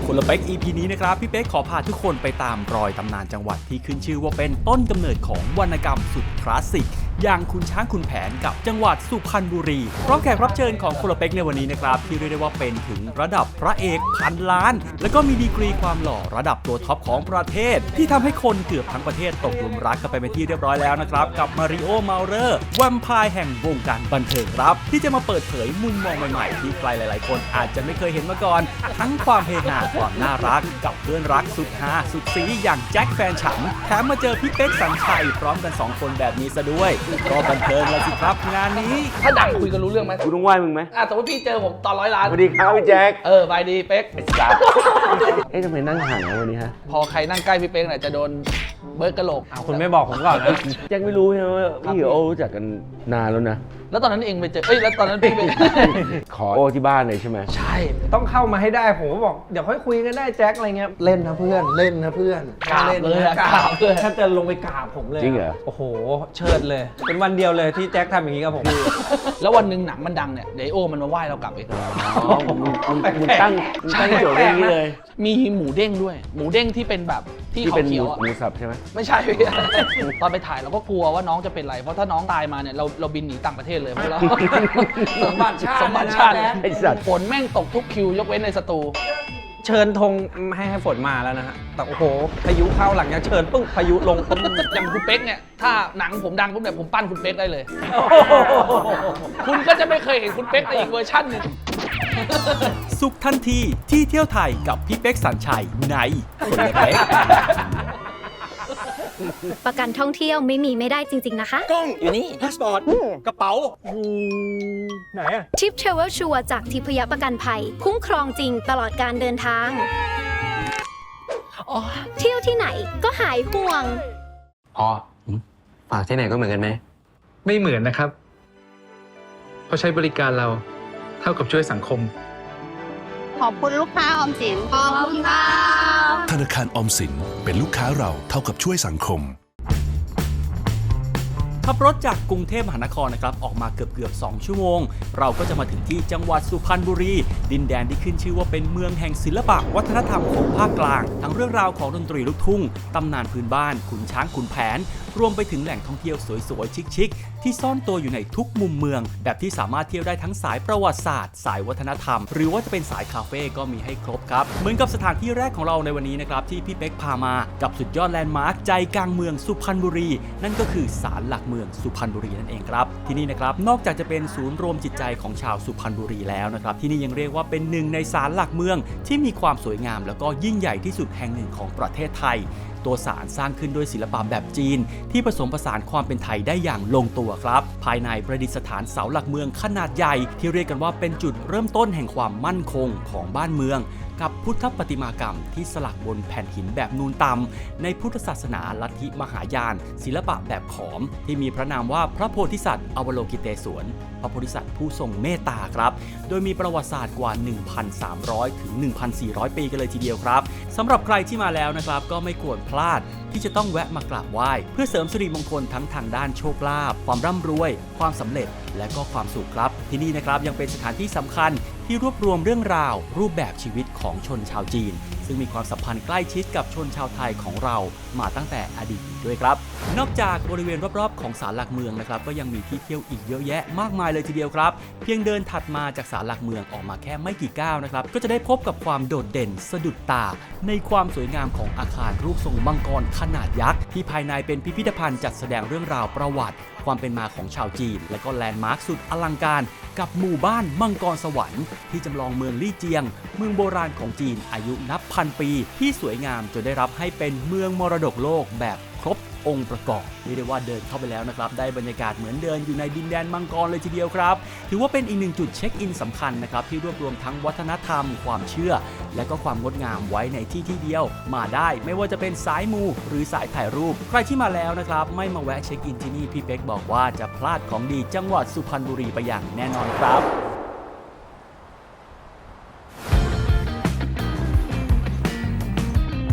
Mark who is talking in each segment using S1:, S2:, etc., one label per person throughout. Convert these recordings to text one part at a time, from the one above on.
S1: คนละเป๊ก EP นี้นะครับพี่เป๊กขอพาทุกคนไปตามรอยตำนานจังหวัดที่ขึ้นชื่อว่าเป็นต้นกำเนิดของวรรณกรรมสุดคลาสสิกอย่างคุณช้างคุณแผนกับจังหวัดสุพรรณบุรีพร้อมแขกรับเชิญของคนละเป๊กในวันนี้นะครับที่เรียกได้ว่าเป็นถึงระดับพระเอกพันล้านแล้วก็มีดีกรีความหล่อระดับตัวท็อปของประเทศที่ทำให้คนเกือบทั้งประเทศตกหลุมรักกันไปเป็นที่เรียบร้อยแล้วนะครับกับมาริโอเมาเลอร์แวมไพร์แห่งวงการบันเทิงครับที่จะมาเปิดเผยมุมมองใหม่ๆที่ใครหลายๆคนอาจจะไม่เคยเห็นมาก่อนทั้งความเฮฮาความน่ารักกับเพื่อนรักสุดฮาสุดซีอย่างแจ็คแฟนฉันแถมมาเจอพี่เป๊กสัญชัยพร้อมกัน2คนแบบนี้ซะด้วยก็บันเทิงแล้วสิครับงานนี้
S2: ถ้าดังคุยกันรู้เรื่องไหม
S3: กูต้องไหว้มึงไหม
S2: สมมติพี่เจอผมตอน100 ล้าน
S3: สวัสดีครับพี่แจ็ค
S2: บายดีเป๊ก
S3: ทำไมนั่งห่างกันวันนี้ฮะ
S2: พอใครนั่งใกล้พี่เป๊กเนี่ยจะโดนเบิร์ดกระโหลก
S4: คุณไม่บอกผมก่อนนะ
S3: แจ็คไม่รู้ใช่ไหมว่าพี่กับโอรู้จักกันนานแล้วนะ
S2: แล้วตอนนั้นเองไปเจอแล้วตอนนั้นพี่ไป
S3: ขอโอที่บ้านเลยใช่ไหม
S2: ใช่
S4: ต้องเข้ามาให้ได้ผมก็บอกเดี๋ยวค่อยคุยกันได้แจ็คอะไรเงี้ยเล่นนะเพื่อนเล่นนะเพื่อน
S2: กราบเลยกราบเลย
S4: ถ้าจะลงไปกราบผมเลย
S3: จริงเหรอ
S4: โอ้โหเชิดเลยเป็นวันเดียวเลยที่แจ็คทำอย่างนี้กับผม
S2: แล้ววันหนึ่งหนังมันดังเนี่ยเดี๋ยวโอมันมาไหว้เรากลับอีก
S3: มึงตั้งโจทย์อย่างนี้เลย
S2: มีหมูเด้งด้วยหมูเด้งที่เป็นแบบที่เขาเขียว
S3: หมูสับใช่ไหม
S2: ไม่ใช่ตอนไปถ่ายเราก็กลัวว่าน้องจะเป็นไรเพราะถ้าน้องตายมาเนี่ยเราบินหนีต่างประเทศเลยเพราะเราสมบัติชาติ
S3: ไอ้สัตว์
S2: ฝนแม่งตกทุกคิวยกเว้นในสตู
S4: เชิญธงให้ฝนมาแล้วนะฮะแต่โอ้โหพายุเข้าหลังจากเชิญปึ้งพายุลงปึ้ง
S2: อย่างคุณเป๊กเนี่ยถ้าหนังผมดังปุ๊บเนี่ยผมปั้นคุณเป๊กได้เลยคุณก็จะไม่เคยเห็นคุณเป๊กในอีกเวอร์ชันนึง
S1: สุขทันทีที่เที่ยวไทยกับพี่เป๊กสัญชัยในคนละเป๊ก
S5: ประกันท่องเที่ยวไม่ได้จริงๆนะคะ
S1: กล้องอยู่นี่พาสปอร์ตกระเป๋า
S4: ไหนอะ
S5: ทิปเทรเวลชัวร์จากทิพยประกันภัยคุ้มครองจริงตลอดการเดินทางเที่ยวที่ไหนก็หายห่วง
S6: ฝากที่ไหนก็เหมือนกันไหม
S7: ไม่เหมือนนะครับเพราะใช้บริการเราเท่ากับช่วยสังคม
S8: ขอบคุณลูกค้าออมสินขอบคุณค่ะ
S9: ธนาคารออมสินเป็นลูกค้าเราเท่ากับช่วยสังคม
S1: ขับรถจากกรุงเทพมหานครนะครับออกมาเกือบ2 ชั่วโมงเราก็จะมาถึงที่จังหวัดสุพรรณบุรีดินแดนที่ขึ้นชื่อว่าเป็นเมืองแห่งศิลปะวัฒนธรรมของภาคกลางทั้งเรื่องราวของดนตรีลูกทุ่งตำนานพื้นบ้านขุนช้างขุนแผนรวมไปถึงแหล่งท่องเที่ยวสวยๆชิคๆที่ซ่อนตัวอยู่ในทุกมุมเมืองแบบที่สามารถเที่ยวได้ทั้งสายประวัติศาสตร์สายวัฒนธรรมหรือว่าจะเป็นสายคาเฟ่ก็มีให้ครบครับเหมือนกับสถานที่แรกของเราในวันนี้นะครับที่พี่เป๊กพามากับสุดยอดแลนด์มาร์คใจกลางเมืองสุพรรณบุรีนั่นก็คือศาลหลักเมืองสุพรรณบุรีนั่นเองครับที่นี่นะครับนอกจากจะเป็นศูนย์รวมจิตใจของชาวสุพรรณบุรีแล้วนะครับที่นี่ยังเรียกว่าเป็นหนึ่งในศาลหลักเมืองที่มีความสวยงามแล้วก็ยิ่งใหญ่ที่สุดแห่งหนึ่งของประเทศไทยตัวศาลสร้างขึ้นด้วยศิลปะแบบจีนที่ผสมผสานความเป็นไทยได้อย่างลงตัวครับภายในประดิษฐานเสาหลักเมืองขนาดใหญ่ที่เรียกกันว่าเป็นจุดเริ่มต้นแห่งความมั่นคงของบ้านเมืองกับพุทธประติมากรรมที่สลักบนแผ่นหินแบบนูนต่ำในพุทธศาสนาลัทธิมหายานศิลปะแบบขอมที่มีพระนามว่าพระโพธิสัตว์อวโลกิเตศวรพระโพธิสัตว์ผู้ทรงเมตตาครับโดยมีประวัติศาสตร์กว่า 1,300 ถึง 1,400 ปีกันเลยทีเดียวครับสำหรับใครที่มาแล้วนะครับก็ไม่ควรพลาดที่จะต้องแวะมากราบไหว้เพื่อเสริมสิริมงคลทั้งทางด้านโชคลาภความร่ำรวยความสำเร็จและก็ความสุขครับที่นี่นะครับยังเป็นสถานที่สำคัญที่รวบรวมเรื่องราวรูปแบบชีวิตของชนชาวจีนซึ่งมีความสัมพันธ์ใกล้ชิดกับชนชาวไทยของเรามาตั้งแต่อดีตด้วยครับนอกจากบริเวณรอบๆของศาลหลักเมืองนะครับก็ยังมีที่เที่ยวอีกเยอะแยะมากมายเลยทีเดียวครับเพียงเดินถัดมาจากศาลหลักเมืองออกมาแค่ไม่กี่ก้าวนะครับก็จะได้พบกับความโดดเด่นสะดุดตาในความสวยงามของอาคารรูปทรงมังกรขนาดยักษ์ที่ภายในเป็นพิพิธภัณฑ์จัดแสดงเรื่องราวประวัติความเป็นมาของชาวจีนและก็แลนด์มาร์คสุดอลังการกับหมู่บ้านมังกรสวรรค์ที่จำลองเมืองลี่เจียงเมืองโบราณของจีนอายุนับพันปีที่สวยงามจนได้รับให้เป็นเมืองมรดกโลกแบบครบองค์ประกอบเรียกได้ว่าเดินเข้าไปแล้วนะครับได้บรรยากาศเหมือนเดินอยู่ในดินแดนมังกรเลยทีเดียวครับถือว่าเป็นอีกหนึ่งจุดเช็คอินสำคัญนะครับที่รวบรวมทั้งวัฒนธรรมความเชื่อและก็ความงดงามไว้ในที่เดียวมาได้ไม่ว่าจะเป็นสายมูหรือสายถ่ายรูปใครที่มาแล้วนะครับไม่มาแวะเช็คอินที่นี่พี่เป๊กบอกว่าจะพลาดของดีจังหวัดสุพรรณบุรีไปอย่างแน่นอนครับ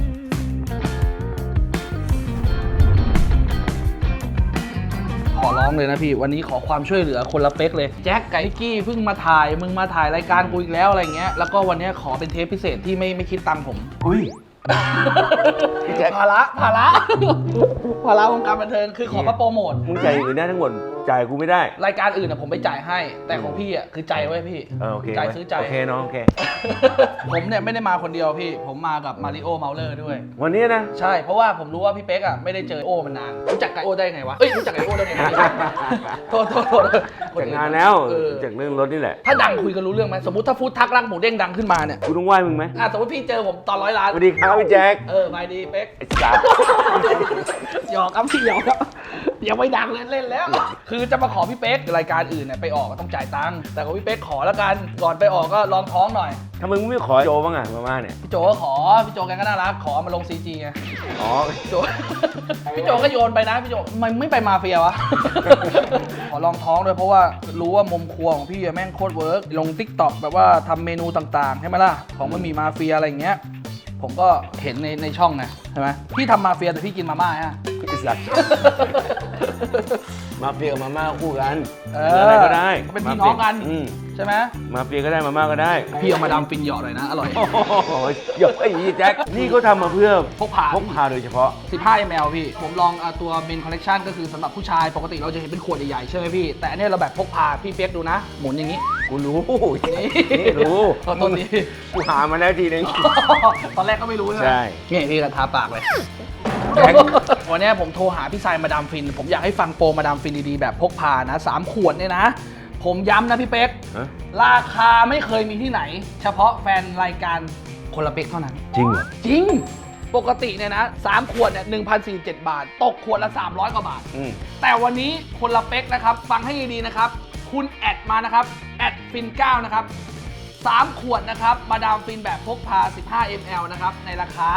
S2: ขอร้องเลยนะพี่วันนี้ขอความช่วยเหลือคนละเป๊กเลยแจ็คไก่กี้เพิ่งมาถ่ายมึงมาถ่ายรายการกูอีกแล้วอะไรเงี้ยแล้วก็วันนี้ขอเป็นเทปพิเศษที่ไม่คิดตังค์ผม
S3: อุ้ย
S2: ภาระวงการบันเทิงคือขอมาโปรโมท
S3: มึงจ่ายอย่างอื่นได้ทั้งหมดจ่ายกูไม่ได้
S2: รายการอื่นนะผมไปจ่ายให้ แต่ของพี่อ่ะคือใจไว้พี่
S3: โอเค
S2: ใจซื้อใจ
S3: โอเคน้องโอเค
S2: ผมเนี่ยไม่ได้มาคนเดียวพี่ ผมมากับมาริโอเมาเลอร์ด้วย
S3: วันนี้นะ
S2: ใช่เพราะว่าผมรู้ว่าพี่เป๊กอ่ะไม่ได้เจอโอมานานรู้จักไก่โอได้ไงวะรู้จักไก่โอได้ไง โทษ
S3: จากงานแล้ว
S2: เออ
S3: จากเรื่องรถนี่แหละ
S2: ถ้าดังคุยกันรู้เรื่องไหมสมมติถ้าฟู้ดทักรักหมูเด้งดังขึ้นมาเนี่ย
S3: กูต้องไหว้มึงไหม
S2: สมมติพี่เจอผมตอน100 ล้าน
S3: สวัสดีครับพี่แจ็ค
S2: ไปดีเป๊ก
S3: ไอ้สัส
S2: หยอกครับพี่หยอกครับยังไม่ดังเล่นแล้ว คือจะมาขอพี่เป๊กรายการอื่นเนี่ยไปออกก็ต้องจ่ายตังค์แต่ของพี่เป๊กขอแล้วกันก่อนไปออกก็ลองท้องหน่อย
S3: ทำไมมึงไม่ขอโจบ้างอ่ะมาม่าเนี่ย
S2: พี่โจก็ขอพี่โจแกก็น่ารักขอมาลง CG ไง
S3: อ๋อ
S2: พี่โจ พี่โจก็โยนไปนะพี่โจมันไม่ไปมาเฟียวะ ขอลองท้องด้วยเพราะว่ารู้ว่ามุมครัวของพี่แม่งโคตรเวิร์กลง TikTok แบบว่าทำเมนูต่างๆใช่ไหมล่ะของมันมีมาเฟียอะไรอย่างเงี้ยผมก็เห็นในช่องไงใช่ไหมพี่ทำมาเฟียแต่พี่กินมาม่าฮะ
S3: ไอ้สัสมาเฟียกับมาม่าคู่กัน
S2: อะไร
S3: ก็ได้
S2: เป็นพี่น้องกัน
S3: อืม
S2: ใช่ไหม
S3: มาเฟียก็ได้มาม่าก็ได้
S2: พี่เอามาดามฟินหยอดหน่อยนะอร่อย
S3: โอ้โหหยกไอ้ยี่แจ็คนี่เขาทำมาเพื่อ
S2: พกพา
S3: พกพาโดยเฉพาะ
S2: 15 ml พี่ ผมลองตัวเมนคอลเลกชันก็คือสำหรับผู้ชายปกติเราจะเห็นเป็นขวดใหญ่ๆใช่ไหมพี่ แต่อันเนี้ยเราแบบพกพาพี่เปียกดูนะ หมุนอย่างนี้
S3: กูรู้
S2: นี่
S3: นี่รู้
S2: ขอโทษที
S3: กูหามาแล้วทีนึง
S2: ตอนแรกก็ไม่รู้ใช่ไหม
S3: ใช่
S2: นี่พี่ก็ทาปากเลย
S3: แจ็ค
S2: วันเนี้ยผมโทรหาพี่ทรายมาดามฟิน ผมอยากให้ฟังโปรมาดามฟินดีๆแบบพกพานะ3 ขวดเนี่ยนะ ผมย้ำนะพี่เป๊ก
S3: ฮะ
S2: ราคาไม่เคยมีที่ไหน เฉพาะแฟนรายการคนละเป๊กเท่านั้น
S3: จริงเหรอ
S2: จริง ปกติเนี่ยนะ3 ขวดเนี่ย 1,047 บาท ตกขวดละ 300 กว่าบาท
S3: อืม
S2: แต่วันนี้คนละเป๊กนะครับ ฟังให้ดีๆนะครับ คุณแอดมานะครับ แอดฟิน9นะครับ 3 ขวดนะครับ มาดามฟินแบบพกพา 15 ml นะครับ ในราคา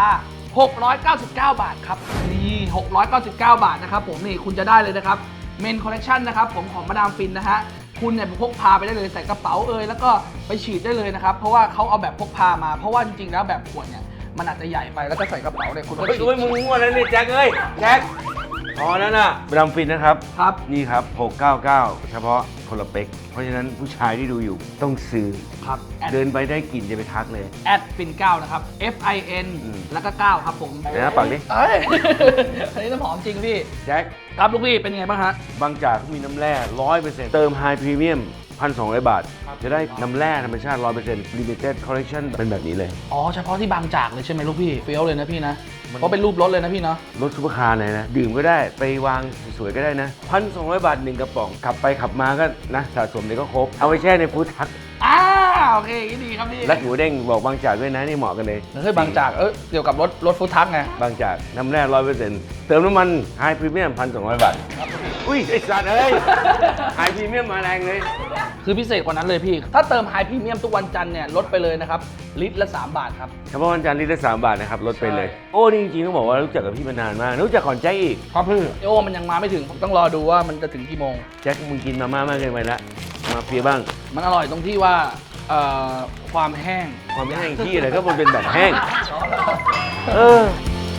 S2: 699 บาทครับ นี่ 699 บาทนะครับผมนี่คุณจะได้เลยนะครับ เมนคอลเลคชันนะครับผมของมาดามฟินนะฮะ คุณเนี่ยพกพาไปได้เลยใส่กระเป๋าแล้วก็ไปฉีดได้เลยนะครับ เพราะว่าเขาเอาแบบพกพามา เพราะว่าจริงๆแล้วแบบขวดเนี่ยมันอาจจะใหญ่ไปแล้วก็ใส่กระเป๋าเนี่ยคุณก็
S3: เฮ้ย
S2: ฉีด
S3: เฮ้ยมึงง่วงแล้วนี่แจ็คเอ้ยแจ็คพอแล้วนะมาดามฟินนะครับ
S2: ครับ
S3: นี่ครับ 699 เฉพาะคนละเป๊ก เพราะฉะนั้นผู้ชายที่ดูอยู่ต้องซื้อ
S2: ครับแอด
S3: เดินไปได้กลิ่นจะไปทักเลย
S2: แอดฟิน9นะครับ FIN แล้วก็ 9 ครับผม
S3: เดี๋ยวนะปักดิ
S2: เอ้ย อันนี้น้ำหอมจริงพี่
S3: แจ็ค
S2: ครับลูกพี่เป็นไงบ้างฮะ
S3: บางจากมีน้ำแร่ 100%เติมไฮพรีเมียม 1,200 บาท จะได้น้ำแร่ธรรมชาติ 100% Limited Collection เป็นแบบนี้เลย
S2: อ๋อเฉพาะที่บางจากเลยใช่ไหมลูกพี่เฟี้ยวเลยนะพี่นะเพราะเป็นรูปรถเลยนะพี่เนาะ
S3: รถซุปเปอร์คาร์เลยนะ ดื่มก็ได้ไปวางสวยๆก็ได้นะ 1,200 บาท 1 กระป๋อง ขับไปขับมาก็นะสะสมเลยก็ครบ เอาไปแช่ในฟู้ดทัก
S2: โอเคอย่างนี้ดีครับพี่
S3: และหมูเด้งบอกบางจากด้วยนะ นี่เหมาะกันเลย
S2: เฮ้ยบางจากเกี่ยวกับรถฟู้ดทักไง
S3: บางจากน้ำแร่ 100%เติมน้ำมันไฮพรีเมียม 1,200 บาท อุ้ยไอ้สัตว์เอ้ยไฮพรีเมียมมาแรงเลย
S2: คือพิเศษกว่านั้นเลยพี่ ถ้าเติมไฮพรีเมียมทุกวันจันทร์เนี่ยลดไปเลยนะครับลิตรละ3 บาทครับ
S3: เฉพาะวันจันทร์ลิตรละ3 บาทนะครับลดไปเลย โอ้นี่จริงๆต้องบอกว่ารู้จักกับพี่มานานมาก รู้จักก่อนแจ็คอีก
S2: ครับพี่โอ้มันยังมาไม่ถึงผมต้องรอดูว่ามันจะถึงกี่โมง
S3: แจ็คมึงกินมาม่ามากเกินไปละมาเฟียบ้าง
S2: มันอร่อยตรงที่ว่าความแห้ง
S3: ความไม่แห้งที่อะไรก็มันเป็นแบบแห้ง เออ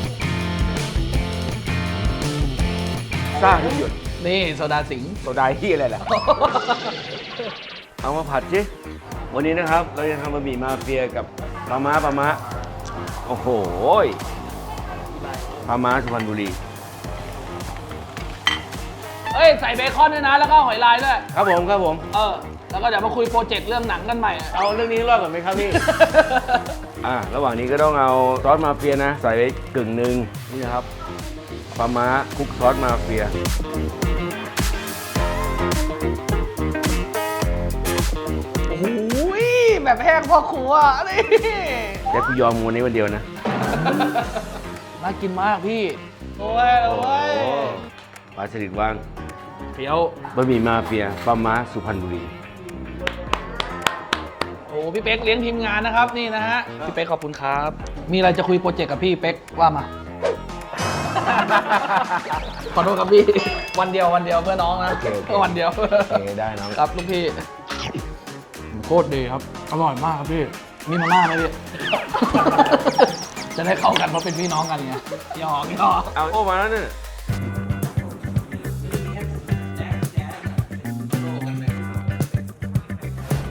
S3: ซ่าทุกหยด
S2: นี่โซดาสิงห์
S3: โซดาที่อะไรล่ะ เอามาผัดสิวันนี้นะครับ เราจะทำบะหมี่มาเฟียกับปลาม้าโอ้โหปลาม้าสุพรรณบุรี
S2: เอ้ยใส่เบคอนด้วยนะแล้วก็หอยลายด้วย
S3: ครับผมครับผม
S2: แล้วก็เดี๋ยวมาคุยโปรเจกต์เรื่องหนังกันใหม่
S3: เอาเรื่องนี้รอดก่อนไหมครับพี่ ระหว่างนี้ก็ต้องเอาซอสมาเฟียนะ ใส่ไปกึ่งหนึ่งนี่นะครับปลาม้าคลุกซอสมาเฟีย
S2: โอ้ยแบบแห้งพ่อครัวนี่
S3: แจ็คกูยอมวันนี้วันเดียวนะ
S2: น่ากินมากพี่ โอ้ย
S3: ปลาสลิดว่าง
S2: เฟี้ยว
S3: บะหมี่มาเฟียปลาม้าสุพรรณบุรี
S2: โอ้พี่เป๊กเลี้ยงทีมงานนะครับนี่นะฮะพี่เป๊กขอบคุณครับ มีอะไรจะคุยโปรเจกต์กับพี่เป๊กว่ามา ขอโทษครับพี่วันเดียวเพื่อน้องนะ
S3: โอเค
S2: วันเดียว
S3: โอเคได้น้อง
S2: ครับลูกพี่โคตรดีครับอร่อยมากครับพี่มีมาม่าไหมพี่ จะได้เข้ากันเพราะเป็นพี่น้องกันไงหยอก
S3: เอาโอ้มาแล้วเนี่ย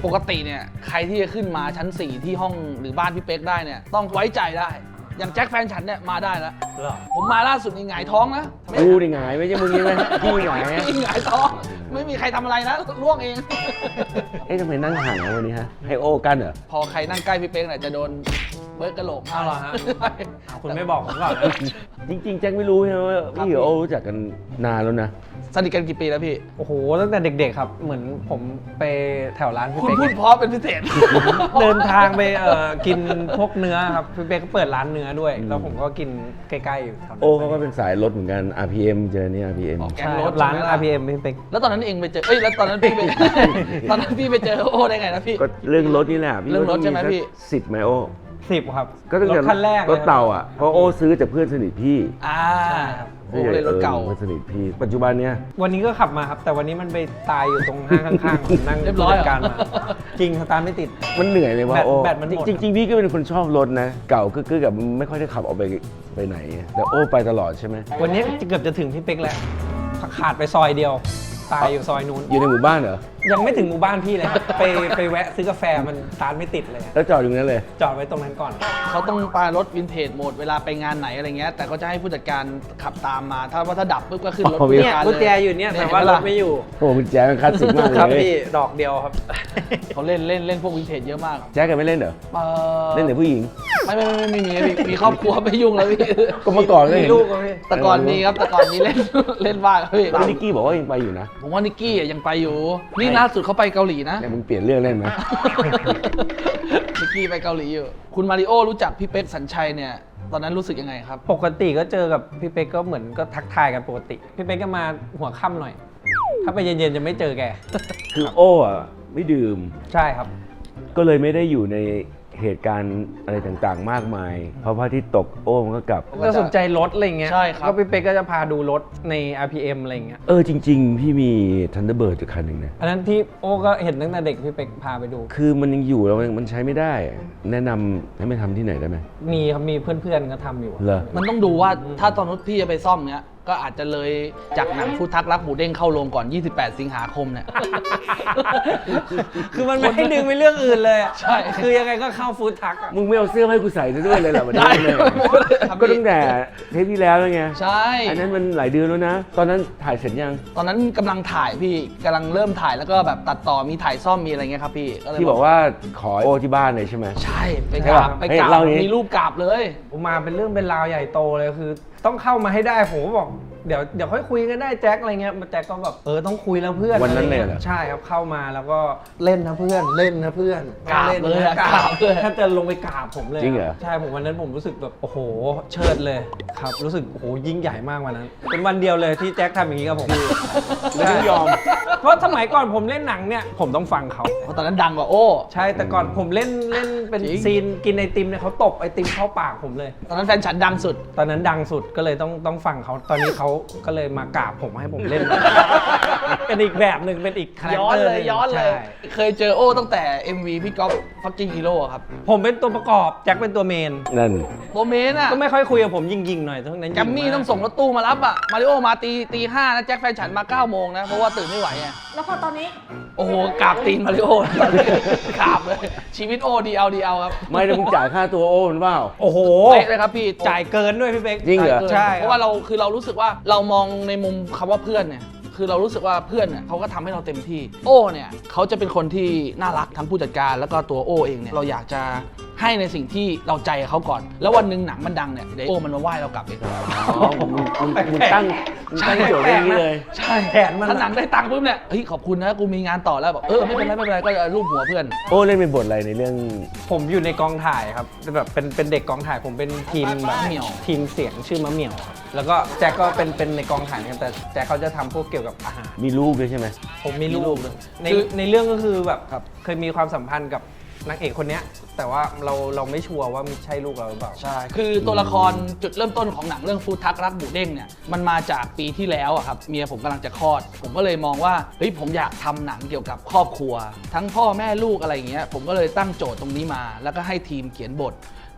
S2: กติเนี่ยใครที่จะขึ้นมาชั้น 4 ที่ห้องหรือบ้านพี่เป๊กได้เนี่ยต้องไว้ใจได้ อย่างแจ็คแฟนฉันเนี่ยมาได้แล้วผมมาล่าสุดนี่หงายท้องนะ
S3: กูดิหงายไม่ใช่มึงใช่ไหมพี่หงายอะ
S2: หงายท้องไม่มีใครทำอะไรนะล่วงเอง
S3: เอ๊ะทำไมนั่งห่างกันวันนี้ฮะให้โอ้กันเหรอ
S2: พอใครนั่งใกล้พี่เป๊กเนี่ยจะโดนเบิร์ดกระโหลก
S4: เอาเหรอฮะ คุณไม่บอกผมก่อนนะ
S3: จริงๆแจ็คไม่รู้ใช่ไหมว่าพี่กับโอ้รู้จักกันนานแล้วนะ
S2: สนิทกันกี่ปีแล้วพี่
S4: โอ้โหตั้งแต่เด็กๆครับเหมือนผมไปแถวร้านพี่
S2: คุณ
S4: เป๊ก
S2: พูดเพราะเป็นพิเศษ
S4: เดินทางไปกินพวกเนื้อครับพี่เป๊กก็เปิดร้านเนื้อด้วย แล้วผมก็กินใกล้ๆอยู่แถวนั้น
S3: โอ้เขาก็เป็นสายรถเหมือนกัน RPM เจอเนี่ย RPM
S2: อ๋อ แก๊ง
S4: ใช่
S2: ร
S4: ค
S2: ถ
S4: รับร้าน
S2: ใช่ไหมล่ะ
S4: RPM พี่เป๊ก
S2: แล้วตอนนั้นเองไปเจอ เอ้ย แล้วตอนนั้นพี่ไป ตอนนั้นพี่ไปเจอโอ้ได้ไงนะพี่
S3: ก็เรื่องรถนี่แหละพี่
S2: เรื่องรถใช่ไหมพี่
S3: 10ไหมโอ้
S4: 10 ครับ
S3: ก็ตั้งแต่
S4: รถคันแรก
S3: รถเต่าอ่ะเพราะโอ้ซื้อจากเพื่อนสนิทพี่
S2: อ่า
S4: ใช่ครับ
S2: โอ้เลยรถเก่า
S3: เพื่อนสนิทพี่ ปัจจุบันเนี้ย
S4: วันนี้ก็ขับมาครับ แต่วันนี้มันไปตายอยู่ตรงห้างข้างๆผมนั่ง
S2: เรียบร้อยเหรอ
S4: จัดการมาจริงสตาร์ทไม่ติด
S3: มันเหนื่อยเลยว่า
S4: แบต
S3: โอ้
S4: แบตมันหมด
S3: จริงๆพี่ก็เป็นคนชอบรถนะ เก่าก็กับไม่ค่อยได้ขับออกไปไหน แต่โอ้ไปตลอดใช่ไหม
S4: วันนี้เกือบจะถึงพี่เป๊กแล้วขาดไปซอยเดียว ตายอยู่ซอยนู้น
S3: อยู่ในหมู่บ้านเหรอ
S4: ยังไม่ถึงหมู่บ้านพี่เลย ไปแวะซื้อกาแฟมันสตาร์ทไม่ติดเลย
S3: แล้วจอดอยู่นั้นเลย
S4: จอดไว้ตรงนั้นก่อน
S2: เขาต้องปารถวินเทจโหมดเวลาไปงานไหนอะไรเงี้ย แต่ก็จะให้ผู้จัดการขับตามมา ถ้าดับปุ๊บก็ขึ้นรถ
S3: อ๋อ
S2: ผู้
S4: เนี่ย
S2: จัดการ
S4: กุญแจ
S2: เลย
S4: อยู่เนี่ยแต่ว่ารถไม่อยู่
S3: โอ้คุณแจ๊คมันคลาสสิกมากเลย
S4: ครับพี่ดอกเดียวครับ
S2: เขาเล่นพวกวินเทจเยอะมาก
S3: แจ๊คกันไม่เล่นเหรอ เล่นแต่ผู้หญิง
S2: ไม่มีครอบครัวไม่ยุ่งแล้วพี่
S3: ก็เมื่อก่อนก็
S4: มี
S3: เห็น
S4: ลูกก็พี่
S2: แต่ก่อนมีครับแต่ก่อนมีเล่น เล่นบ้างครับพี่
S3: แล้วนิกกี้บอกว่ายังไปอยู่นะ
S2: ผมว่านิกกี้อ่ะยังไปอยู่ นี่ล่าสุดเขาไปเกาหลีนะ
S3: เนี่ยมึงเปลี่ยนเรื่องเล่นไหม
S2: นิกกี้ไปเกาหลีอยู่ คุณมาริโอรู้จักพี่เป๊กสัญชัยเนี่ยตอนนั้นรู้สึกยังไงครับ
S4: ปกติก็เจอกับพี่เป๊กก็เหมือนก็ทักทายกันปกติ พี่เป๊กก็มาหัวค่ำหน่อย ถ้าไปเย็นๆจะไม่เจอแก
S3: คือโอ้อะไม่ดื่ม
S4: ใช่ครับ
S3: ก็เลยไม่ได้อยู่ในเหตุการณ์อะไรต่างๆ มากมาย เพราะพระอาทิตย์ตกโอ้มันก็กลับ
S4: ก็สนใจรถอะไรเงี้ย
S2: ใช่ครับ
S4: ก็พี่เป๊กก็จะพาดูรถใน RPM อะไรเงี้ย
S3: จริง ๆ พี่มี Thunderbird อยู่คันหนึ่งนะ
S4: อันนั้นที่โอ้ก็เห็นตั้งแต่เด็กพี่เป๊กพาไปดู
S3: คือมันยังอยู่แล้วมันใช้ไม่ได้ แนะนำให้ไปทำที่ไหนได้ไหม
S4: มีครับมีเพื่อนๆก็ทำอยู่
S3: เหรอ
S2: มันต้องดูว่าถ้าตอนนู้นพี่จะไปซ่อมเนี้ยก็อาจจะเลยจากหนังฟูดทักรักหมูเด้งเข้าโรงก่อน 28 สิงหาคมเนี่ย
S4: คือมันไม่ให้ดึงไปเรื่องอื่นเลยอะ
S2: ใช่
S4: คือยังไงก็เข้าฟู้ดทักอะ
S3: มึงไม่เอาเสื้อมาให้กูใส่ซะด้วยเลยเหรอวันนี้
S2: ได้
S3: เลย
S2: ครับ
S3: ก็ตั้งแต่เทปที่แล้วแล้วไง
S2: ใช่
S3: อันนั้นมันหลายเดือนแล้วนะ ตอนนั้นถ่ายเสร็จยัง
S2: ตอนนั้นกำลังถ่ายพี่กำลังเริ่มถ่ายแล้วก็แบบตัดต่อมีถ่ายซ่อมมีอะไรเงี้ยครับพี่เลย
S3: ที่บอกว่าขอโอ้ที่บ้านเลยใช่ไหม
S2: ใช่ไป
S3: ใช่
S2: กรา
S3: ปะ
S2: บไปกราบ
S3: เฮ้ยเล่าอย่างนี้
S2: มีรูปกราบเลย
S4: ผมมาเป็นเรื่องเป็นราวใหญ่โตเลยคือ ต้องเข้ามาให้ได้ผมก็บอกเดี๋ยวค่อยคุยกันได้แจ็คอะไรเงี้ยแจ็คก็แบบต้องคุยแล้วเพื่อน
S3: วันนั้นเลย
S4: อะไร
S3: เหรอ
S4: งี้ใช่ครับเข้ามาแล้วก็เล่นนะเพื่อนเล่นนะเพื่อน
S2: กราบ
S4: ล่น
S2: เลย
S4: นะ
S2: อะกราบเลย
S4: ถ้าจะลงไปกราบผมเลย
S3: จริงเหรอ
S4: ใช่ผมวันนั้นผมรู้สึกแบบโอ้โหเชิดเลยครับรู้สึกโอ้โหยิ่งใหญ่มากวันนั้น เป็นวันเดียวเลยที่แจ็คทำอย่างนี้กับผม
S3: แล้วไม่ยอม
S4: เพราะสมัยก่อนผมเล่นหนังเนี่ยผมต้องฟังเขา
S2: เพราะตอนนั้นดังกว่าโอ้
S4: ใช่แต่ก่อนผมเล่นเป็น
S2: จริง
S4: ซีนกินไอติมเนี่ยเขาตบไอติมเข้าปากผมเลย
S2: ตอนนั้นแฟนฉันดังสุด
S4: ตอนนั้นดังสุดก็เลยต้องฟังเขาตอนนี้เขาก็เลยมากราบผมให้ผมเล่น เป็นอีกแบบหนึ่งเป็นอีกคาแรค
S2: ย้อน
S4: เตอร์
S2: เล
S4: ห
S2: ย
S4: นึ่ง
S2: ย้อนเลย
S4: ใช่
S2: เคยเจอโอ้ตั้งแต่ MV พี่ก๊อฟฟักกิ้งฮีโร่ครับ
S4: ผมเป็นตัวประกอบแจ็คเป็นตัวเมน
S3: นั่น
S2: โมเมนต์อ่ะ
S4: ก็ไม่ค่อยคุยกับผมยิงๆหน่อยทั้งนั้น
S2: แกมมี่ต้องส่งรถตู้มารับอ่ะมาริโอมาตีห้านะแจ็คแฟนฉันมา9 โมงนะ เพราะว่าตื่นไม่ไหวไง
S8: แล้วพอตอนนี้
S2: โอ้โหกราบตีนมาริโอ กราบเลย ชีวิตโอดีเอาครับ
S3: ไม่ได้มึงจ่ายค่าตัวโอ้มันเปล่า
S4: โอ้โห
S2: เป๊ะเลยครับพี่
S4: จ่ายเกินด้วยพี่เป๊ก
S3: จริงเหรอ
S4: ใช่
S2: เพราะว่าเรารู้สึกว่าเรามองในมุมคำว่าเพื่อนเนี่ยคือเรารู้สึกว่าเพื่อนเนี่ยเขาก็ทำให้เราเต็มที่โอ้เนี่ยเขาจะเป็นคนที่น่ารักทั้งผู้จัดการแล้วก็ตัวโอ้เองเนี่ยเราอยากจะให้ในสิ่งที่เราใจเขาก่อน แล้ววันหนึ่งหนังมันดังเนี่ยเดี๋ยวโอ้มันมาไหว้เรากลับเอง
S3: มึงตั้งโจทย์อย่างนี้เลย
S2: ใช่
S4: แผนมัน
S2: ถ้าหนังได้ตังค์ปุ๊บเนี่ยเฮ้ยขอบคุณนะกูมีงานต่อแล้วบอกไม่เป็นไรก็รูปหัวเพื่อน
S3: โอ้เล่นเป็นบทอะไรในเรื่อง
S4: ผมอยู่ในกองถ่ายครับแบบเป็นเด็กกองถ่ายผมเป็นทีมแบบ
S2: มะเหมี่ยว
S4: ทีมเสียงชื่อมะเหมี่ยวครับแล้วก็แจ็คก็เป็นในกองถ่ายเหมือนกันแต่แจ็คเขาจะทำพวกเกี่ยวกับอาหาร
S3: มีลูกด้วยใช่ไหม
S4: ผมมีลูกใน
S2: คือ
S4: ในเรื่องก็คือแบบเคยมีความสัมพันธ์กับนางเอกคนเนี้ยแต่ว่าเราไม่ชัวร์ว่ามีใช่ลูกเราหรือเปล่า
S2: ใช่ คือตัวละครจุดเริ่มต้นของหนังเรื่องฟูดทักรักหมูเด้งเนี่ย มันมาจากปีที่แล้วอะครับ เมียผมกำลังจะคลอด ผมก็เลยมองว่า เฮ้ย ผมอยากทำหนังเกี่ยวกับครอบครัว ทั้งพ่อแม่ลูกอะไรอย่างเงี้ย ผมก็เลยตั้งโจทย์ตรงนี้มา แล้วก็ให้ทีมเขียนบท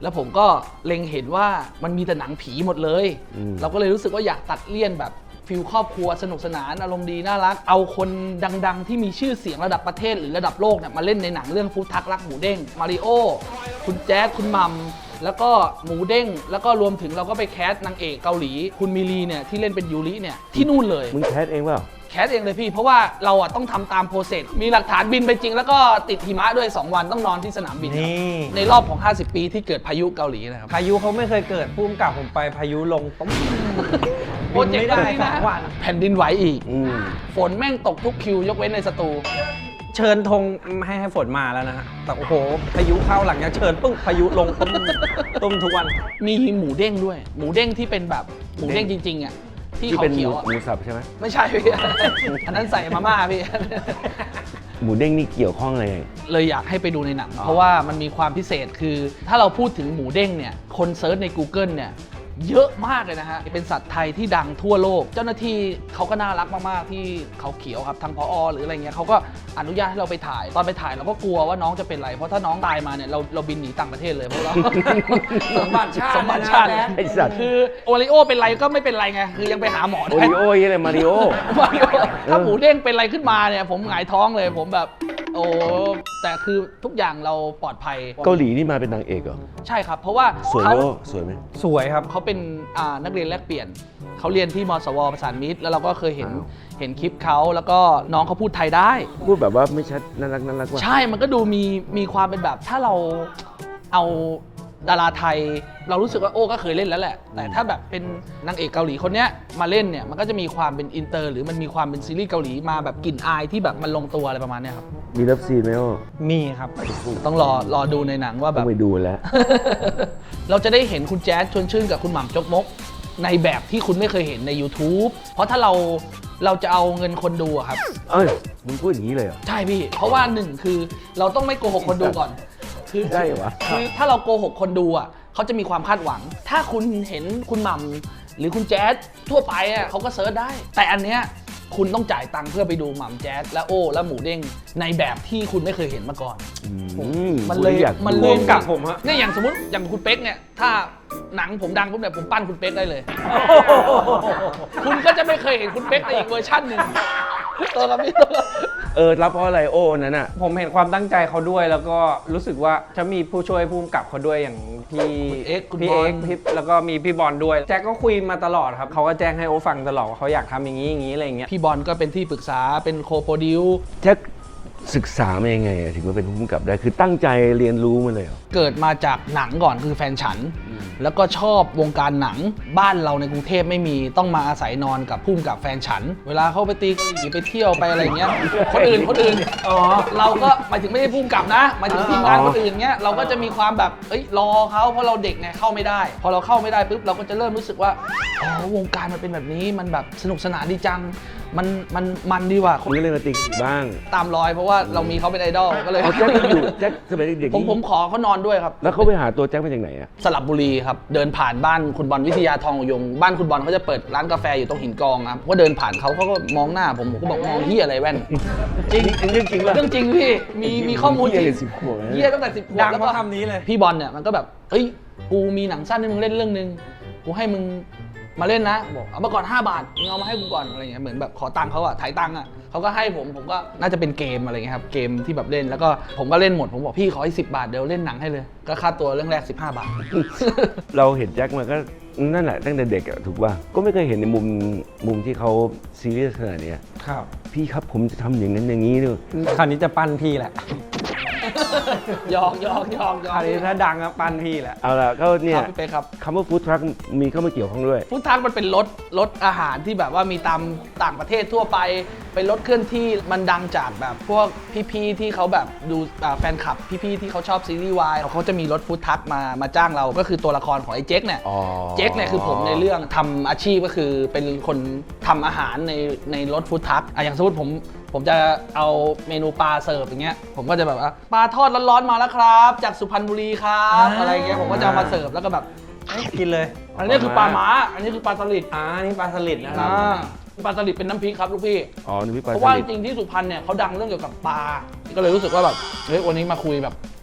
S2: แล้วผมก็เล็งเห็นว่ามันมีแต่หนังผีหมดเลย เราก็เลยรู้สึกว่าอยากตัดเลี่ยนแบบฟิลครอบครัวสนุกสนานอารมณ์ดีน่ารักเอาคนดังๆที่มีชื่อเสียงระดับประเทศหรือระดับโลกเนี่ยมาเล่นในหนังเรื่องฟู้ดทักรักหมูเด้งมาริโอคุณแจ๊ดคุณมัมแล้วก็หมูเด้งแล้วก็รวมถึงเราก็ไปแคสนางเอกเกาหลีคุณมิลีเนี่ยที่เล่นเป็นยูริเนี่ยที่นู่นเลย
S3: มึงแคสเองเปล่า
S2: แคสเองเลยพี่เพราะว่าเราอะต้องทำตามโปรเซสมีหลักฐานบินไปจริงแล้วก็ติดหิมะด้วย2 วันต้องนอนที่สนามบิน
S4: นี่
S2: ในรอบของ50 ปีที่เกิดพายุเกาหลีนะครับ
S4: พายุเขาไม่เคยเกิดพุ่มกับผมไปพายุลงต้ม
S2: โปรเจก
S4: ไม่
S2: ต์
S4: ได้
S2: นี้นะ
S4: 2 วัน
S2: แผ่นดินไหวอีก
S3: อืม
S2: ฝนแม่งตกทุกคิวยกเว้นในสตู
S4: เชิญธงให้ฝนมาแล้วนะฮะแต่โอ้โหพายุเข้าหลังจากเชิญปึ้งพายุลงต้มทุกวัน
S2: มีหมูเด้งด้วย หมูเด้งที่เป็นแบบหมูเด้งจริงๆอ่ะที่
S3: ที่
S2: เขา
S3: เป็น
S2: เขียวอะ
S3: หมูสับใช่ไหม
S2: ไม่ใช่พี่ อันนั้นใส่มาม่าพี่
S3: หมูเด้งนี่เกี่ยวข้องอะไร
S2: เลยอยากให้ไปดูในหนัง เพราะว่ามันมีความพิเศษคือ ถ้าเราพูดถึงหมูเด้งเนี่ยคนเซิร์ชใน Google เนี่ยเยอะมากเลยนะฮะเป็นสัตว์ไทยที่ดังทั่วโลก เจ้าหน้าที่เขาก็น่ารักมากๆที่เขาเขียวครับทางผอ.หรืออะไรเงี้ยเขาก็อนุญาตให้เราไปถ่ายตอนไปถ่ายเราก็กลัวว่าน้องจะเป็นไรเพราะถ้าน้องตายมาเนี่ยเราบินหนีต่างประเทศเลยเพราะเรา
S4: สมบัติชาติ
S2: สมบัติชาติ
S3: ไอ้สัตว์
S2: คือโอริโอเป็นไรก็ไม่เป็นไรไงคือยังไปหาหมอ
S3: โอ
S2: ได้
S3: ริโอ้ยอะไรมาริโอ
S2: มาริโอถ้าหมูเด้งเป็นอะไรขึ้นมาเนี่ยผมหงายท้องเลยผมแบบโอ้แต่คือทุกอย่างเราปลอดภัย
S3: เกาหลีนี่มาเป็นนางเอกเหรอ
S2: ใช่ครับ เพราะว่า
S3: สวยไหม
S2: เขา
S3: โอ้สวยไหม
S4: สวยครับ
S2: เขาเป็นนักเรียนแลกเปลี่ยนเขาเรียนที่มสวประสานมิตรแล้วเราก็เคยเห็น
S3: อ้าว
S2: เห็นคลิปเขาแล้วก็น้องเขาพูดไทยได้
S3: พูดแบบว่าไม่ชัดน่ารักว่ะ
S2: ใช่มันก็ดูมีความเป็นแบบถ้าเราเอาดาราไทย เรารู้สึกว่าโอ้ก็เคยเล่นแล้วแหละ แต่ถ้าแบบเป็นนางเอกเกาหลีคนเนี้ยมาเล่นเนี่ยมันก็จะมีความเป็นอินเตอร์หรือมันมีความเป็นซีรีส์เกาหลีมาแบบกลิ่นอายที่แบบมันลงตัวอะไรประมาณเนี้ยครับ
S3: มีเลิฟซีนไหมโอ้
S4: มีครับ
S2: ต้องรอดูในหนังว่าแบ
S3: ต้อบ งไปดูแล้ว
S2: เราจะได้เห็นคุณแจ๊สชวนชื่นกับคุณหม่ำจกมก ในแบบที่คุณไม่เคยเห็นใน YouTube เพราะถ้าเราจะเอาเงินคนดูอะครับ
S3: เอ้ยมึงพูดอย่างนี้เลยเหรอ
S2: ใช่พี่ เพราะว่าหนึ่งคือเราต้องไม่โกหกคนดูก่อน คือ
S3: ได้เหรอวะ
S2: คือถ้าเราโกหกคนดูอ่ะเขาจะมีความคาดหวัง ถ้าคุณเห็นคุณหม่ำหรือคุณแจ๊สทั่วไปอ่ะเขาก็เซิร์ชได้ แต่อันเนี้ยคุณต้องจ่ายตังค์เพื่อไปดูหม่ำแจ๊สและโอ้และหมูเด้งในแบบที่คุณไม่เคยเห็นมาก่อน มันเลย
S3: อยาก
S2: มัน
S3: ดู
S2: เลย
S4: กับผมฮะ
S2: เนี่ยอย่างสมมติอย่างคุณเป๊กเนี่ยถ้าหนังผมดังปุ๊บเนี่ยผมปั้นคุณเป๊กได้เลย คุณก็จะไม่เคยเห็นคุณเป๊กในอีกเวอร์ชันหนึ่งตัวกับพี่ตัวกับ
S3: รับเพราะอะไรโอ้นั้นน่ะ
S4: ผมเห็นความตั้งใจเขาด้วยแล้วก็รู้สึกว่าจะมีผู้ช่วยผู้กำกับเขาด้วยอย่างพี่
S2: คุณเอ็กซ์คุณ
S4: พี่
S2: บอล
S4: เอ็กซ์พี่แล้วก็มีพี่บอลด้วยแจ็คก็คุยมาตลอดครับเขาก็แจ้งให้โอฟังตลอดว่าเขาอยากทำอย่างนี้อย่างนี้อะไรอย่างเงี้ย
S2: พี่บอลก็เป็นที่ปรึกษาเป็นโคโปรดิว
S3: แจ็คศึกษามายังไงอะถึงมาเป็นผู้กำกับได้คือตั้งใจเรียนรู้มาเลยเหรอ
S2: เกิดมาจากหนังก่อนคือแฟนฉัน แล้วก็ชอบวงการหนังบ้านเราในกรุงเทพไม่มีต้องมาอาศัยนอนกับพุ่มกับแฟนฉัน เวลาเขาไปตีเกาหลีไปเที่ยวไปอะไรเงี้ยคนอื่นเราก็หมายถึงไม่ได้พุ่มกับนะหมายถึงทีมงานคนอื่นเงี้ยเราก็จะมีความแบบรอเขาเพราะเราเด็กไงเข้าไม่ได้ พอเราเข้าไม่ได้ปุ๊บเราก็จะเริ่มรู้สึกว่าอ๋อวงการมันเป็นแบบนี้มันแบบสนุกสนานดีจังมันดีว่ะ
S3: คุณก็เลยมาติดบ้าง
S2: ตามรอยเพราะว่าเรามีเขาเป็นไอดอลก็เลย
S3: เอาแจ็คยังอยู่แจ็คสมัยเด็กๆ
S2: ผม
S3: นี่
S2: ขอเขานอนด้วยครับ
S3: แล้วเขาไปหาตัวแจ็คมาจากไหนอะ
S2: สระบุรีครับ เดินผ่านบ้านคุณบอลวิทยาทองยงบ้านคุณบอลเขาจะเปิดร้านกาแฟอยู่ตรงหินกองครับก็เดินผ่านเขาก็มองหน้าผมก็บอกมองเฮียอะไรแว่น จริง
S3: เรื่องจริงป่ะ
S2: เรื่องจริงพี่มีข้อมูลจริง
S3: เหี้ย10 ขวบนะ
S2: เฮียตั้งแต่10 ขวบ
S4: ดัง
S2: แล้ว
S4: เพ
S2: ก็
S4: ราะคำนี้เลย
S2: พี่บอลเนี่ยมันก็แบบเฮ้ยกูมีหนังสั้นให้มึงเล่นเรื่องนึงกูให้มึงมาเล่นนะบอกเอามาก่อน5 บาทมึงเอามาให้กูก่อนอะไรเงี้ยเหมือนแบบขอตังค์เขาอะถ่ายตังค์อะเขาก็ให้ผมก็น่าจะเป็นเกมอะไรเงี้ยครับเกมที่แบบเล่นแล้วก็ผมก็เล่นหมดผมบอกพี่ขอให้10 บาทเดี๋ยวเล่นหนังให้เลยก็ค่าตัวเรื่องแรก15 บาท
S3: เราเห็นแจ็คมาก็นั่นแหละตั้งแต่เด็กอะถูกป่ะก็ไม่เคยเห็นในมุมที่เขาซีเรียสขนาดเนี้ย
S4: ครับ
S3: พี่ครับผมจะทำอย่างนั้นอย่างนี้ด้วย
S4: คราวนี้จะปั้นพี่แหละ
S2: ยอก
S4: คราวนี้ถ้าดังก็ปั้นพี่แหละ
S3: เอาล่ะก็เนี่
S2: ค
S3: ย
S2: รับพี่เป๊กครับ
S3: คำว่าฟู้ดทรัคมีเข้ามาเกี่ยวข้องด้วย
S2: ฟู้ดทรัคมันเป็นรถอาหารที่แบบว่ามีตามต่างประเทศทั่วไปเป็นรถเคลื่อนที่มันดังจากแบบพวกพี่ๆที่เขาแบบดูแฟนคลับพี่ๆที่เขาชอบซีรีส์วายเขาจะมีรถฟู้ดทรัคมาจ้างเราก็คือตัวละครของไอ้เจ๊กเนี่ย
S3: อ๋อ
S2: เจ๊กเนี่ยคือผมในเรื่องทำอาชีพก็คือเป็นคนทำอาหารในรถฟู้ดทรัคอย่างสมมติผมจะเอาเมนูปลาเสิร์ฟอย่างเงี้ยผมก็จะแบบว่าปลาทอดร้อนๆมาแล้วครับ จากสุพรรณบุรีครับอะไรเงี้ยผมก็จะเอามาเสิร์ฟแล้วก็แบบ
S4: กินเลย
S2: อันนี้คือปลาม้าอันนี้คือปลาสลิด
S4: นี่ปลาสลิดนะครับ
S2: ปลาสลิดเป็นน้ำพริกครับลูกพี่
S3: อ๋อนี่พี่ปลา
S2: เพราะว่า
S3: ส
S2: จ
S3: ลิด
S2: ริงๆที่สุพรรณเนี่ยเขาดังเรื่องเกี่ยวกับปลาก็เลยรู้สึกว่าแบบเฮ้ยวันนี้มาคุยแบบ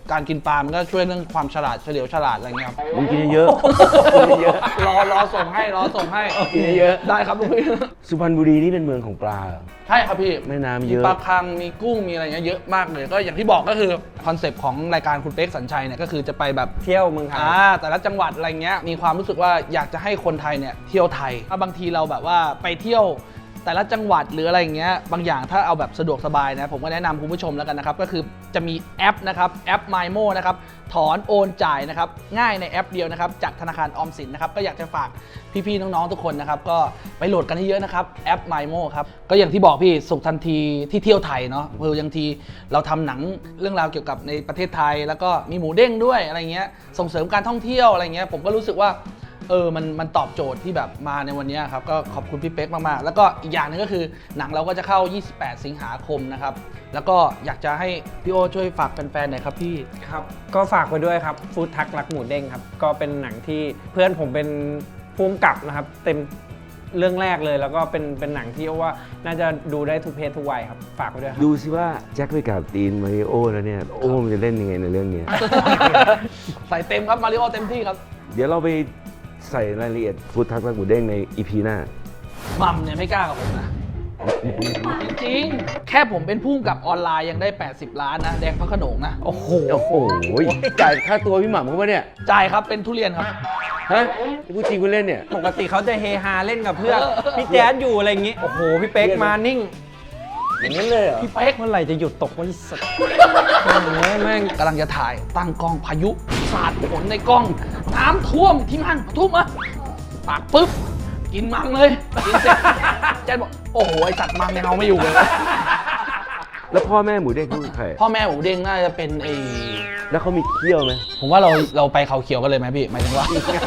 S2: การกินปลามันก็ช่วยเรื่องความฉลาดเฉลียวฉลาดอะไรเงี้ยครับ
S3: มึงกินเยอะกินเยอะ
S2: รอส่งให้
S3: กินเยอะ
S2: ได้ครับลูกพี่
S3: สุพรรณบุรีนี่เป็นเมืองของปลาเหรอ
S2: ใช่ครับพี่
S3: แม่น้ำ
S2: มี
S3: เยอะ
S2: ปลาคังมีกุ้งมีอะไรเงี้ยเยอะมากเลยก็อย่างที่บอกก็คือคอนเซปต์ของรายการคุณเป๊กสัญชัยเนี่ยก็คือจะไปแบบ
S4: เที่ยวเมืองไทย
S2: แต่ละจังหวัดอะไรเงี้ยมีความรู้สึกว่าอยากจะให้คนไทยเนี่ยเที่ยวไทยบางทีเราแบบว่าไปเที่ยวแต่ละจังหวัดหรืออะไรเงี้ยบางอย่างถ้าเอาแบบสะดวกสบายนะผมก็แนะนำคุณผู้ชมแล้วกันนะครับก็คือจะมีแอปนะครับแอป MyMo นะครับถอนโอนจ่ายนะครับง่ายในแอปเดียวนะครับจากธนาคารออมสินนะครับก็อยากจะฝากพี่ๆน้องๆทุกคนนะครับก็ไปโหลดกันเยอะๆนะครับแอป MyMo ครับก็อย่างที่บอกพี่สุขทันทีที่เที่ยวไทยเนาะอย่างทีเราทำหนังเรื่องราวเกี่ยวกับในประเทศไทยแล้วก็มีหมูเด้งด้วยอะไรเงี้ยส่งเสริมการท่องเที่ยวอะไรเงี้ยผมก็รู้สึกว่ามันตอบโจทย์ที่แบบมาในวันนี้ครับก็ขอบคุณพี่เป๊กมากๆแล้วก็อีกอย่างนึงก็คือหนังเราก็จะเข้า28สิงหาคมนะครับแล้วก็อยากจะให้พี่โอช่วยฝากแฟนๆหน่อยครับพี่
S4: ครับก็ฝากไว้ด้วยครับฟู้ดทักรักหมูเด้งครับก็เป็นหนังที่เพื่อนผมเป็นผู้กำกับนะครับเต็มเรื่องแรกเลยแล้วก็เป็นหนังที่ว่าน่าจะดูได้ทุกเพศทุกวัยครับฝากไว้ด้วยครับ
S3: ดูสิว่าแจ็คไปกับตีนมาริโอแล้วเนี่ยโอ้มันจะเล่นยังไงในเรื่องนี้
S2: ใส่เต็มครับมาริโอเต็มที่ครับ
S3: เดี๋ยวเราไปใส่รายละเอียดฟู้ดทักและหมูเด้งใน EP หน้า
S2: มัมเนี่ยไม่กล้ากับผมนะ จริงๆแค่ผมเป็นผู้กำกับออนไลน์ยังได้80 ล้านนะแดงพระโขนงนะ
S4: โอ้โห
S3: โอ้โหจ่ายค่าตัวพี่หม่ำเขาปะเนี่ย
S2: จ่ายครับเป็นทุเรียนครับ
S3: ฮะพูดจริงพูดเล่นเนี่ย
S4: ปกติเขาจะเฮฮาเล่นกับเพื่อนพี่แจ๊ดอยู่อะไรอย่างงี้โอ้โหพี่เป๊กมานิ่ง
S3: อย่างนั้นเลยเหรอ
S2: พี่เป๊ก
S4: เมื่อไหร่จะหยุดตกวะไอ้สัสแม่ง
S2: กำลังจะถ่ายตั้งกล้องพายุสาดฝนในกล้อง น้ำท่วมที่มันทุ่มอะปากปุ๊บ กินมังเลยกินเสร็จแจ๊ดบอกโอ้โหไอสัตว์มังยังเอาไม่อยู่เลย
S3: แล้วพ่อแม่หมูเด้งเขาคือใคร
S2: พ่อแม่หมูเด้งน่าจะเป็น
S3: แล้วเขามีเขี้ยวไหม
S2: ผมว่าเราไปเขาเขียวกันเลยไหมพี่หมายถึงว่า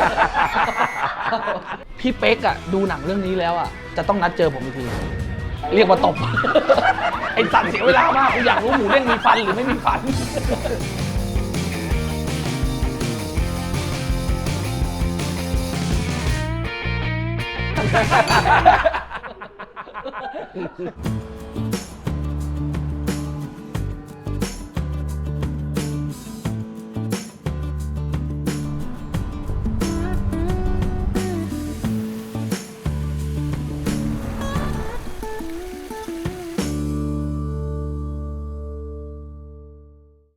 S2: พี่เป๊กอะดูหนังเรื่องนี้แล้วอะจะต้องนัดเจอผมอีกทีเรียกว่าตบ ไอ้สัตว์เสียเวลามากกูอยากรู้หมูเด้งมีฟันหรือไม่มีฟัน